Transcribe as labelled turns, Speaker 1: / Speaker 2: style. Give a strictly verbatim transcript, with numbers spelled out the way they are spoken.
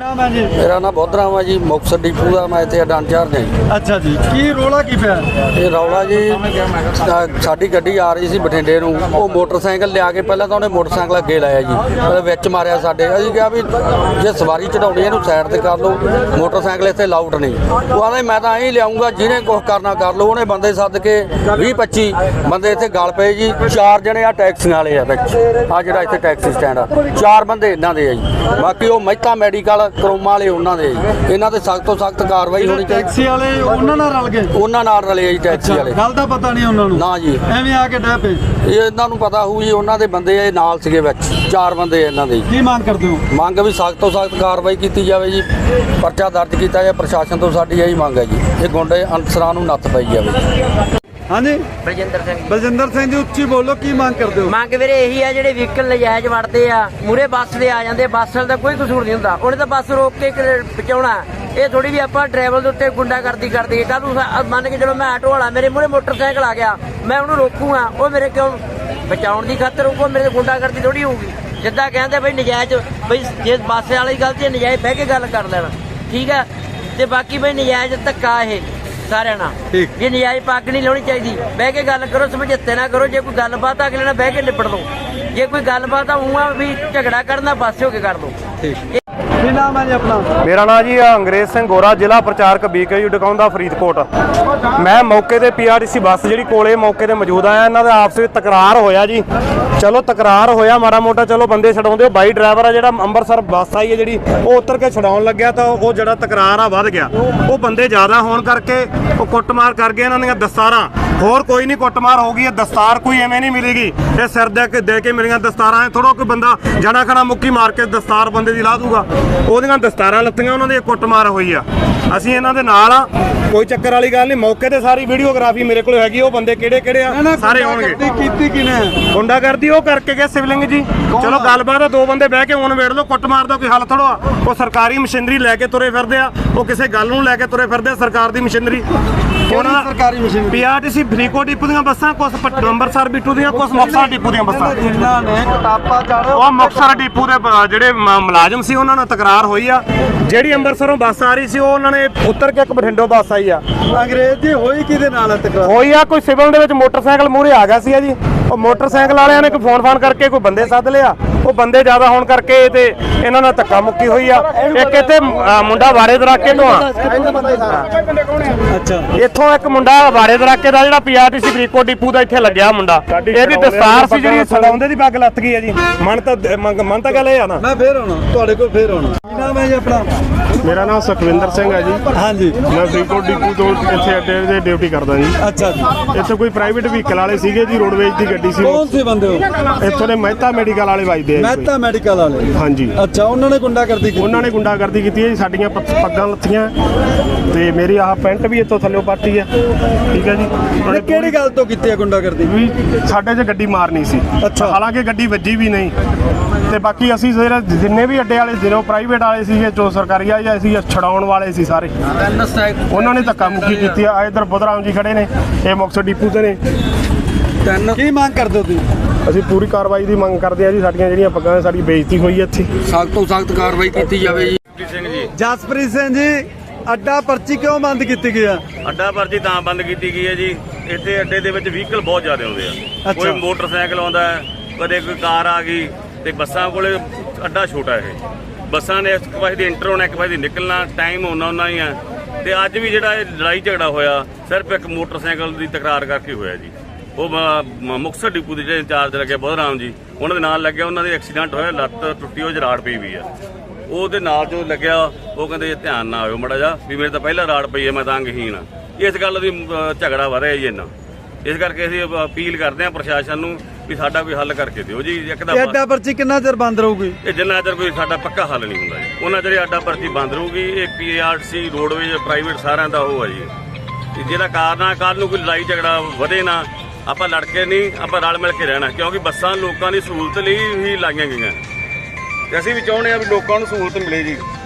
Speaker 1: नाम है जी?
Speaker 2: मेरा नाम बौद्ध राम है जी, मुक्तसर डिपू का मैं इतने अड्डा इंचार्ज जी।
Speaker 1: अच्छा जी, की रौला की पिया?
Speaker 2: ये रौला जी साडी गड्डी आ रही सी बठिंडे ਨੂੰ ਉਹ ਮੋਟਰਸਾਈਕਲ ਲਿਆ ਕੇ ਪਹਿਲਾਂ ਤਾਂ ਉਹਨੇ ਮੋਟਰਸਾਈਕਲ ਅੱਗੇ ਲਾਇਆ ਜੀ, ਉਹਦੇ ਵਿੱਚ ਮਾਰਿਆ ਸਾਡੇ। ਅਸੀਂ ਕਿਹਾ ਵੀ ਜੇ ਸਵਾਰੀ ਚੜਾਉਣੀ ਇਹਨੂੰ ਸਾਈਡ ਤੇ ਕਰ ਲਓ, ਮੋਟਰਸਾਈਕਲ ਇੱਥੇ ਲਾਊਟ ਨਹੀਂ। ਉਹ ਆਂਦੇ ਮੈਂ ਤਾਂ ਐਂ ਲਿਆਉਂਗਾ, ਜਿਹਨੇ ਕੁਛ ਕਰਨਾ ਕਰ ਲਓ। ਉਹਨੇ ਬੰਦੇ ਸੱਦ ਕੇ ਵੀਹ ਪੱਚੀ ਬੰਦੇ ਇੱਥੇ ਗਲ ਪਏ ਜੀ। ਚਾਰ ਜਣੇ ਆ ਟੈਕਸੀਆਂ ਵਾਲੇ ਆ ਵਿੱਚ, ਆ ਜਿਹੜਾ ਇੱਥੇ ਟੈਕਸੀ ਸਟੈਂਡ ਆ, ਚਾਰ ਬੰਦੇ ਇਹਨਾਂ ਦੇ ਆ ਜੀ। ਬਾਕੀ ਉਹ ਮਹਿਤਾ ਮੈਡੀਕਲ ਕਰੋਮਾ ਵਾਲੇ ਉਹਨਾਂ ਦੇ ਜੀ। ਇਹਨਾਂ ਤੇ ਸਖਤ ਤੋਂ ਸਖਤ ਕਾਰਵਾਈ ਹੋਣੀ ਚਾਹੀਦੀ।
Speaker 1: ਟੈਕਸੀ ਵਾਲੇ ਉਹਨਾਂ ਨਾਲ ਰਲ ਗਏ? ਉਹਨਾਂ
Speaker 2: ਨਾਲ ਰਲੇ ਆ ਜੀ ਟੈਕਸੀ ਵਾਲੇ।
Speaker 1: ਗੱਲ ਦਾ ਪਤਾ ਨਹੀਂ ਉਹਨਾਂ ਨੂੰ? ਨਾ ਜੀ, ਐਵੇਂ ਆ ਕੇ ਡੈ ਪਏ।
Speaker 2: ਇਹ ਇਹਨਾਂ ਨੂੰ ਪਤਾ ਹੋਊ ਜੀ, ਉਹਨਾਂ ਦੇ ਬੰਦੇ ਇਹ ਨਾਲ ਸੀਗੇ ਵਿੱਚ, ਚਾਰ ਬੰਦੇ ਇਹਨਾਂ ਦੇ।
Speaker 1: ਕੀ ਮੰਗ ਕਰਦੇ ਹੋ? ਮੰਗ
Speaker 2: ਵੀ ਸਖਤ ਤੋਂ ਸਖਤ ਕਾਰਵਾਈ ਕੀਤੀ ਜਾਵੇ ਜੀ, ਪਰਚਾ ਦਰਜ ਕੀਤਾ ਜਾਏ। ਪ੍ਰਸ਼ਾਸਨ ਤੋਂ ਸਾਡੀ ਇਹੀ ਮੰਗ ਹੈ ਜੀ, ਇਹ ਗੁੰਡੇ ਅਨਸਰਾਂ ਨੂੰ ਨੱਥ ਪਾਈ ਜਾਵੇ।
Speaker 1: ਹਾਂਜੀ,
Speaker 3: ਬਲਜਿੰਦਰ ਸਿੰਘ।
Speaker 1: ਬਲਜਿੰਦਰ ਸਿੰਘ ਜੀ, ਉੱਚੀ ਬੋਲੋ, ਕੀ ਮੰਗ ਕਰਦੇ ਹੋ?
Speaker 3: ਮੰਗ ਵੀਰੇ ਇਹੀ ਆ, ਜਿਹੜੇ ਵਹੀਕਲ ਨਜਾਇਜ਼ ਵੜਦੇ ਆ, ਮੂਰੇ ਬੱਸ ਦੇ ਆ ਜਾਂਦੇ, ਬੱਸ ਵਾਲੇ ਦਾ ਕੋਈ ਕਸੂਰ ਨਹੀਂ ਹੁੰਦਾ। ਉਹਨੇ ਤਾਂ ਬੱਸ ਰੋਕ ਕੇ ਬਚਾਉਣਾ। ਇਹ ਥੋੜੀ ਵੀ ਆਪਾਂ ਡਰਾਈਵਰ ਦੇ ਉੱਤੇ ਗੁੰਡਾਗਰਦੀ ਕਰਦੇ। ਕੱਲ ਨੂੰ ਮੰਨ ਕੇ ਚਲੋ ਮੈਂ ਆਟੋ ਵਾਲਾ, ਮੇਰੇ ਮੂਰੇ ਮੋਟਰਸਾਈਕਲ ਆ ਗਿਆ, ਮੈਂ ਉਹਨੂੰ ਰੋਕੂਗਾ, ਉਹ ਮੇਰੇ ਕਿਉਂ ਬਚਾਉਣ ਦੀ ਖਾਤਰ ਰੋਕੋ? ਮੇਰੇ ਗੁੰਡਾਗਰਦੀ ਥੋੜੀ ਹੋਊਗੀ। ਜਿੱਦਾਂ ਕਹਿੰਦੇ ਬਈ ਨਜਾਇਜ਼, ਬਈ ਜੇ ਬੱਸ ਵਾਲੀ ਗਲਤੀ ਹੈ, ਨਜਾਇਜ਼ ਬਹਿ ਕੇ ਗੱਲ ਕਰ ਲੈਣਾ, ਠੀਕ ਹੈ। ਤੇ ਬਾਕੀ ਬਈ ਨਜਾਇਜ਼ ਧੱਕਾ ਇਹ ਸਾਰਿਆਂ ਨਾਲ, ਜੇ ਨਜਾਇਜ਼ ਪੱਗ ਨਹੀਂ ਲਾਉਣੀ ਚਾਹੀਦੀ। ਬਹਿ ਕੇ ਗੱਲ ਕਰੋ, ਸਮਝੌਤੇ ਨਾ ਕਰੋ। ਜੇ ਕੋਈ ਗੱਲਬਾਤ ਅਗਲੇ ਨਾਲ ਬਹਿ ਕੇ ਨਿਬੜ ਲਓ। ਜੇ ਕੋਈ ਗੱਲਬਾਤ ਆਊਗਾ ਵੀ ਝਗੜਾ ਕਰਨਾ, ਪਾਸੇ ਹੋ ਕੇ ਕਰ ਲਓ।
Speaker 1: ਕੀ ਨਾਮ ਹੈ ਜੀ ਆਪਣਾ?
Speaker 4: ਮੇਰਾ ਨਾਮ ਜੀ ਅੰਗਰੇਜ਼ ਸਿੰਘ ਗੋਰਾ, ਜ਼ਿਲ੍ਹਾ ਪ੍ਰਚਾਰਕ ਬੀਕੇ ਡਕਾਉਂਦਾ ਫਰੀਦਕੋਟ। ਮੈਂ ਮੌਕੇ ਤੇ ਪੀਆਰਟੀਸੀ ਬੱਸ ਜਿਹੜੀ ਕੋਲੇ ਮੌਕੇ ਤੇ ਮੌਜੂਦ ਆਇਆ। ਇਹਨਾਂ ਦਾ ਆਪਸ ਵਿੱਚ ਤਕਰਾਰ ਹੋਇਆ ਜੀ। ਚਲੋ ਤਕਰਾਰ ਹੋਇਆ ਮਾੜਾ ਮੋਟਾ, ਚਲੋ ਬੰਦੇ ਛਡਾਉਂਦੇ। ਉਹ ਬਾਈ ਡਰਾਈਵਰ ਆ ਜਿਹੜਾ ਅੰਮ੍ਰਿਤਸਰ ਬੱਸ ਆਈ ਹੈ ਜਿਹੜੀ, ਉਹ ਉਤਰ ਕੇ ਛਡਾਉਣ ਲੱਗਿਆ ਤਾਂ ਉਹ ਜਿਹੜਾ ਤਕਰਾਰ ਆ ਵੱਧ ਗਿਆ। ਉਹ ਬੰਦੇ ਜ਼ਿਆਦਾ ਹੋਣ ਕਰਕੇ ਉਹ ਕੁੱਟਮਾਰ ਕਰ ਗਏ। ਇਹਨਾਂ ਦੀਆਂ ਦਸਤਾਰਾਂ, ਹੋਰ ਕੋਈ ਨਹੀਂ ਕੁੱਟਮਾਰ ਹੋ ਗਈ ਹੈ। ਦਸਤਾਰ ਕੋਈ ਐਵੇਂ ਨਹੀਂ ਮਿਲੇਗੀ, ਇਹ ਸਿਰ ਦੇ ਕੇ ਦੇ ਕੇ ਮਿਲੀਆਂ ਦਸਤਾਰਾਂ। ਥੋੜਾ ਕੋਈ ਬੰਦਾ ਜਣਾ ਖਣਾ ਮੁੱਕੀ ਮਾਰ ਕੇ ਦਸਤਾਰ ਬੰਦੇ ਦੀ ਲਾਹ ਦੂਗਾ। ਉਹਦੀਆਂ ਦਸਤਾਰਾਂ ਲੱਤੀਆਂ, ਉਹਨਾਂ ਦੀ ਕੁੱਟਮਾਰ ਹੋਈ ਆ। ਅਸੀਂ ਇਹਨਾਂ ਦੇ ਨਾਲ ਆ, ਕੋਈ ਚੱਕਰ ਵਾਲੀ ਗੱਲ ਨਹੀਂ। ਮੌਕੇ ਤੇ ਸਾਰੀ ਵੀਡੀਓਗ੍ਰਾਫੀ ਮੇਰੇ ਕੋਲ ਹੈਗੀ। ਉਹ ਬੰਦੇ ਕਿਹੜੇ ਕਿਹੜੇ ਆ ਸਾਰੇ ਆਉਣਗੇ।
Speaker 1: ਕੀਤੀ ਕਿਨੇ
Speaker 4: ਗੁੰਡਾਗਰਦੀ ਉਹ ਕਰਕੇ ਗਏ ਸਿਵਲਿੰਗ ਜੀ। ਚਲੋ ਗੱਲਬਾਤ ਆ, ਦੋ ਬੰਦੇ ਬਹਿ ਕੇ ਹੁਣ ਵੇੜ ਲਓ। ਕੁੱਟਮਾਰ ਦਾ ਕੋਈ ਹੱਲ ਥੋੜਾ। ਉਹ ਸਰਕਾਰੀ ਮਸ਼ੀਨਰੀ ਲੈ ਕੇ ਤੁਰੇ ਫਿਰਦੇ ਆ, ਉਹ ਕਿਸੇ ਗੱਲ ਨੂੰ ਲੈ ਕੇ ਤੁਰੇ ਫਿਰਦੇ ਆ। ਸਰਕਾਰ ਦੀ ਮਸ਼ੀਨਰੀ, ਉਹਨਾਂ
Speaker 1: ਸਰਕਾਰੀ ਮਸ਼ੀਨਰੀ
Speaker 4: ਪੀਆਰਟੀਸੀ ਫਰੀਦਕੋਟ ਡਿਪੂ ਦੀਆਂ ਬੱਸਾਂ, ਕੁਛ ਅੰਮ੍ਰਿਤਸਰ ਬਿੱਟੂ ਦੀਆਂ, ਕੁਛ ਮੁਕਤਸਰ ਡਿਪੂ ਦੀਆਂ ਬੱਸਾਂ।
Speaker 1: ਇਹਨਾਂ ਨੇ ਕਿਤਾਬਾਂ ਚੜ੍ਹ,
Speaker 4: ਉਹ ਮੁਕਤਸਰ ਡਿਪੂ ਦੇ ਜਿਹੜੇ ਮੁਲਾਜ਼ਮ ਸੀ, ਉਹਨਾਂ ਨਾਲ ਤਕਰਾਰ ਹੋਈ ਆ। ਜਿਹੜੀ ਅੰਮ੍ਰਿਤਸਰੋਂ ਬੱਸ ਆ ਰਹੀ ਸੀ, ਉਹ ਉਹਨਾਂ ਨੇ ਉਤਰ ਕੇ ਇੱਕ ਬਠਿੰਡੋਂ ਬੱਸ ਆਈ ਆ।
Speaker 1: ਅੰਗਰੇਜ਼ ਜੀ ਹੋਈ ਕਿਹਦੇ ਨਾਲ ਤਕਰਾਰ?
Speaker 4: ਹੋਈ ਆ ਕੋਈ ਸਿਵਲ ਦੇ ਵਿੱਚ ਮੋਟਰਸਾਈਕਲ ਮੂਹਰੇ ਆ ਗਿਆ ਸੀ ਜੀ। ਉਹ ਮੋਟਰਸਾਈਕਲ ਵਾਲਿਆਂ ਨੇ ਕੋਈ ਫੋਨ ਫਾਨ ਕਰਕੇ ਕੋਈ ਬੰਦੇ ਸੱਦ ਲਿਆ। ਉਹ ਬੰਦੇ ਜ਼ਿਆਦਾ ਹੋਣ ਕਰਕੇ ਤੇ ਇਹਨਾਂ ਨਾਲ ਧੱਕਾ ਮੁੱਕੀ ਹੋਈ ਆ। ਇੱਕ ਇੱਥੇ ਮੁੰਡਾ ਵਾਰੇ ਦਰਾਕੇ ਤੋਂ ਆ।
Speaker 1: ਅੱਛਾ,
Speaker 4: ਇੱਥੋਂ ਇੱਕ ਮੁੰਡਾ ਵਾਰੇ ਦਰਾਕੇ ਦਾ ਜਿਹੜਾ ਪੀਆਰਟੀਸੀ ਫਰੀਦਕੋਟ ਡਿਪੂ ਦਾ ਇੱਥੇ ਲੱਗਿਆ ਮੁੰਡਾ। ਇਹਦੀ ਦਸਤਾਰ ਸੀ ਜਿਹੜੀ ਛਡਾਉਂਦੇ ਦੀ ਪੱਗ ਲੱਥ ਗਈ ਆ ਜੀ। ਮਨ ਤਾਂ ਮਨ ਤਾਂ ਗੱਲ ਇਹ ਆ ਨਾ।
Speaker 1: ਮੈਂ ਫੇਰ ਆਉਣਾ ਤੁਹਾਡੇ ਕੋਲ, ਫੇਰ ਆਉਣਾ। ਕੀ ਨਾਮ ਹੈ ਜੀ ਆਪਣਾ?
Speaker 4: ਮੇਰਾ ਨਾਮ ਸੁਖਵਿੰਦਰ ਸਿੰਘ ਹੈ ਜੀ।
Speaker 1: ਹਾਂਜੀ,
Speaker 4: ਮੈਂ ਫਰੀਦਕੋਟ ਡਿਪੂ ਤੋਂ ਇੱਥੇ ਅੱਡੇ ਤੇ ਡਿਊਟੀ ਕਰਦਾ ਜੀ।
Speaker 1: ਅੱਛਾ ਜੀ,
Speaker 4: ਇੱਥੇ ਕੋਈ ਪ੍ਰਾਈਵੇਟ ਵਹੀਕਲ ਵਾਲੇ ਸੀਗੇ ਜੀ, ਰੋਡਵੇਜ ਦੀ ਗੱਡੀ ਸੀ।
Speaker 1: ਕੌਣ ਸੀ ਬੰਦੇ ਉਹ?
Speaker 4: ਇੱਥੋਂ ਦੇ ਮਹਿਤਾ ਮੈਡੀਕਲ ਵਾਲੇ ਵੱਜਦੇ ਆ।
Speaker 1: ਮਹਿਤਾ ਮੈਡੀਕਲ ਵਾਲੇ?
Speaker 4: ਹਾਂਜੀ।
Speaker 1: ਅੱਛਾ, ਉਹਨਾਂ ਨੇ ਗੁੰਡਾਗਰਦੀ ਕੀਤੀ? ਉਹਨਾਂ
Speaker 4: ਨੇ ਗੁੰਡਾਗਰਦੀ ਕੀਤੀ ਹੈ ਜੀ। ਸਾਡੀਆਂ ਪੱਗਾਂ ਲੱਥੀਆਂ ਤੇ ਮੇਰੀ ਆਹ ਪੈਂਟ ਵੀ ਇੱਥੋਂ ਥੱਲੇ ਪਾਟੀ ਹੈ। ਠੀਕ ਹੈ ਜੀ।
Speaker 1: ਕਿਹੜੀ ਗੱਲ ਤੋਂ ਕੀਤੀ ਹੈ ਗੁੰਡਾਗਰਦੀ?
Speaker 4: ਵੀ ਸਾਡੇ 'ਚ ਗੱਡੀ ਮਾਰਨੀ ਸੀ।
Speaker 1: ਅੱਛਾ,
Speaker 4: ਹਾਲਾਂਕਿ ਗੱਡੀ ਵੱਜੀ ਵੀ ਨਹੀਂ। ਤੇ ਬਾਕੀ ਅਸੀਂ ਜਿਹੜੇ ਜਿੰਨੇ ਵੀ ਅੱਡੇ ਵਾਲੇ ਜਿਹਨੋਂ ਪ੍ਰਾਈਵੇਟ ਵਾਲੇ ਸੀਗੇ, ਜੋ ਸਰਕਾਰੀ ਆ ਜਾਂ ਸੀ ਛਡਾਉਣ ਵਾਲੇ ਸੀ ਸਾਰੇ, ਉਹਨਾਂ ਨੇ ਧੱਕਾ ਮੁੱਕੀ ਕੀਤੀ ਆ। ਇੱਧਰ ਬੁੱਧਰਾਮ ਜੀ ਖੜੇ ਨੇ, ਇਹ ਮੁਕਤਸਰ ਡਿਪੂ ਤੇ ਨੇ।
Speaker 1: ਕੀ ਮੰਗ ਕਰਦੇ ਹੋ ਤੁਸੀਂ?
Speaker 4: ਅਸੀਂ ਪੂਰੀ ਕਾਰਵਾਈ ਦੀ ਮੰਗ ਕਰਦੇ ਆ ਜੀ। ਸਾਡੀਆਂ ਜਿਹੜੀਆਂ ਪੱਗਾਂ, ਸਾਡੀ ਬੇਇੱਜ਼ਤੀ ਹੋਈ ਇੱਥੇ,
Speaker 2: ਸਖਤ ਤੋਂ ਸਖਤ ਕਾਰਵਾਈ ਕੀਤੀ ਜਾਵੇ ਜੀ।
Speaker 1: ਜਸਪ੍ਰੀਤ ਸਿੰਘ ਜੀ, ਅੱਡਾ ਪਰਚੀ ਕਿਉਂ ਬੰਦ ਕੀਤੀ ਗਈ ਆ?
Speaker 5: ਅੱਡਾ ਪਰਚੀ ਤਾਂ ਬੰਦ ਕੀਤੀ ਗਈ ਹੈ ਜੀ, ਇੱਥੇ ਅੱਡੇ ਦੇ ਵਿੱਚ ਵਹੀਕਲ ਬਹੁਤ ਜ਼ਿਆਦਾ ਆਉਂਦੇ ਆ। ਕੋਈ ਮੋਟਰਸਾਈਕਲ ਆਉਂਦਾ, ਕਦੇ ਕੋਈ ਕਾਰ ਆ ਗਈ, ਤੇ ਬੱਸਾਂ ਕੋਲੇ ਅੱਡਾ ਛੋਟਾ ਇਹ। ਬੱਸਾਂ ਨੇ ਇੱਕ ਪਾਸੇ ਦੀ ਇੰਟਰ ਹੋਣਾ, ਇੱਕ ਪਾਸੇ ਦੀ ਨਿਕਲਣਾ, ਟਾਈਮ ਉਹਨਾਂ ਉਹਨਾਂ ਹੀ ਆ। ਤੇ ਅੱਜ ਵੀ ਜਿਹੜਾ ਇਹ ਲੜਾਈ ਝਗੜਾ ਹੋਇਆ, ਸਿਰਫ ਇੱਕ ਮੋਟਰਸਾਈਕਲ ਦੀ ਤਕਰਾਰ ਕਰਕੇ ਹੋਇਆ ਜੀ। ਉਹ ਮੁਕਤਸਰ ਡਿਪੂ ਦੇ ਜਿਹੜੇ ਇੰਚਾਰਜ ਲੱਗੇ ਬੁੱਧ ਰਾਮ ਜੀ, ਉਹਨਾਂ ਦੇ ਨਾਲ ਲੱਗਿਆ। ਉਹਨਾਂ ਦੇ ਐਕਸੀਡੈਂਟ ਹੋਇਆ, ਲੱਤ ਟੁੱਟੀ, ਉਹ ਰਾੜ ਪਈ ਵੀ ਆ। ਉਹਦੇ ਨਾਲ ਜੋ ਲੱਗਿਆ, ਉਹ ਕਹਿੰਦੇ ਧਿਆਨ ਨਾ ਆਇਓ ਮੜਾ ਜਾ, ਵੀ ਮੇਰੇ ਤਾਂ ਪਹਿਲਾਂ ਰਾੜ ਪਈ ਹੈ, ਮੈਂ ਤਾਂ ਅੰਗਹੀਣ ਆ। ਇਸ ਗੱਲ ਦੀ ਝਗੜਾ ਵਧਿਆ ਜੀ ਇੰਨਾ। ਇਸ ਕਰਕੇ ਅਸੀਂ ਅਪੀਲ ਕਰਦੇ ਹਾਂ ਪ੍ਰਸ਼ਾਸਨ ਨੂੰ ਵੀ ਸਾਡਾ ਕੋਈ ਹੱਲ ਕਰਕੇ ਦਿਓ ਜੀ। ਇੱਕ ਤਾਂ
Speaker 1: ਅੱਡਾ ਪਰਚੀ ਕਿੰਨਾ ਚਿਰ ਬੰਦ ਰਹੂਗੀ?
Speaker 5: ਇਹ ਜਿੰਨਾ ਚਿਰ ਕੋਈ ਸਾਡਾ ਪੱਕਾ ਹੱਲ ਨਹੀਂ ਹੁੰਦਾ ਜੀ, ਉਹਨਾਂ ਚਿਰ ਅੱਡਾ ਪਰਚੀ ਬੰਦ ਰਹੂਗੀ। ਇਹ ਪੀਆਰਟੀਸੀ, ਰੋਡਵੇਜ, ਪ੍ਰਾਈਵੇਟ ਸਾਰਿਆਂ ਦਾ ਉਹ ਹੈ ਜੀ। ਜਿਹੜਾ ਕਾਰਨ ਆ, ਕੱਲ੍ਹ ਨੂੰ ਕੋਈ ਲੜਾਈ ਝਗੜਾ ਵਧੇ ਨਾ। ਆਪਾਂ ਲੜ ਕੇ ਨਹੀਂ, ਆਪਾਂ ਰਲ ਮਿਲ ਕੇ ਰਹਿਣਾ, ਕਿਉਂਕਿ ਬੱਸਾਂ ਲੋਕਾਂ ਦੀ ਸਹੂਲਤ ਲਈ ਹੀ ਲਾਈਆਂ ਗਈਆਂ। ਤੇ ਅਸੀਂ ਵੀ ਚਾਹੁੰਦੇ ਹਾਂ ਵੀ ਲੋਕਾਂ ਨੂੰ ਸਹੂਲਤ ਮਿਲੇ ਜੀ।